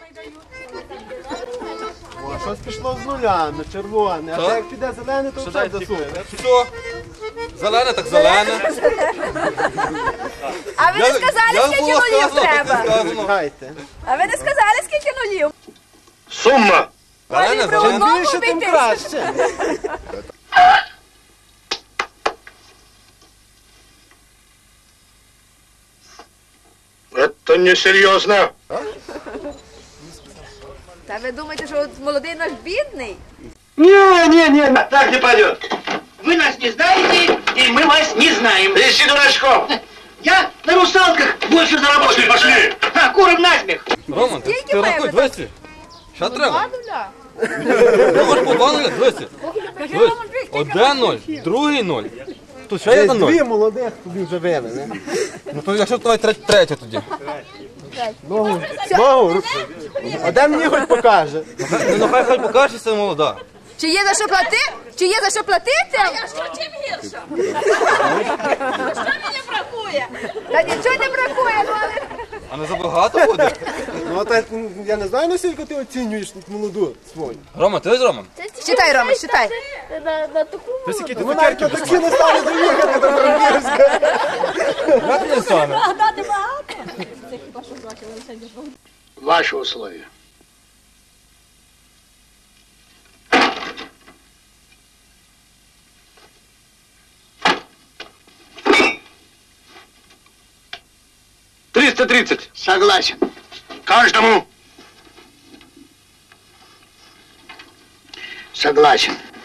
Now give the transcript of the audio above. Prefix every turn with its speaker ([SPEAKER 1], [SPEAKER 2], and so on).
[SPEAKER 1] О, щось пішло з нулями, червоне. А як піде зелене, то все засуне.
[SPEAKER 2] Все. Зелене, так зелене.
[SPEAKER 3] А ви не сказали, скільки нулів треба?
[SPEAKER 1] Чекайте.
[SPEAKER 3] А ви не сказали, скільки нулів?
[SPEAKER 4] Сумма!
[SPEAKER 2] Зелене,
[SPEAKER 3] Про
[SPEAKER 2] зелене.
[SPEAKER 3] одного
[SPEAKER 1] Більше, тим
[SPEAKER 3] обійтись.
[SPEAKER 1] краще.
[SPEAKER 4] Это несерьезно.
[SPEAKER 3] Та ви думаєте, що от молодий наш бідний?
[SPEAKER 4] Не, так не пойдет.
[SPEAKER 5] Вы нас не знаете, и мы вас не знаем.
[SPEAKER 4] Ищи дурачков.
[SPEAKER 5] Я на русалках больше заработаю.
[SPEAKER 4] Пошли.
[SPEAKER 5] А, куром насмех.
[SPEAKER 2] Роман,
[SPEAKER 3] Скільки
[SPEAKER 2] ти
[SPEAKER 3] маємо
[SPEAKER 2] рахуй,
[SPEAKER 3] так?
[SPEAKER 2] 200. Що треба?
[SPEAKER 3] нуля.
[SPEAKER 2] Ну, може по 2 нуля, 200. 1-0, другий 0. Тут ще є
[SPEAKER 1] Десь
[SPEAKER 2] 1-0.
[SPEAKER 1] дві молодих тобі вже вивели.
[SPEAKER 2] Ну то якщо давай третє тоді.
[SPEAKER 1] Ногу. А де мені хоч покаже?
[SPEAKER 2] Ну хай покажеться молода.
[SPEAKER 3] Чи є за що платити? Чи є за що платити?
[SPEAKER 6] Чим гірше? Що мені бракує?
[SPEAKER 3] Та нічого не бракує, ну але...
[SPEAKER 2] А не забагато буде?
[SPEAKER 1] Ну, так, я не знаю, наскільки ти оцінюєш молоду свою.
[SPEAKER 2] Рома, ти ось Роман?
[SPEAKER 3] Считай, Рома, считай.
[SPEAKER 1] Ми навіть на таксі не стали доїхати до Франківська.
[SPEAKER 2] Як не стане?
[SPEAKER 4] Ваши условия. $330.
[SPEAKER 5] Согласен.
[SPEAKER 4] Каждому.
[SPEAKER 5] Согласен.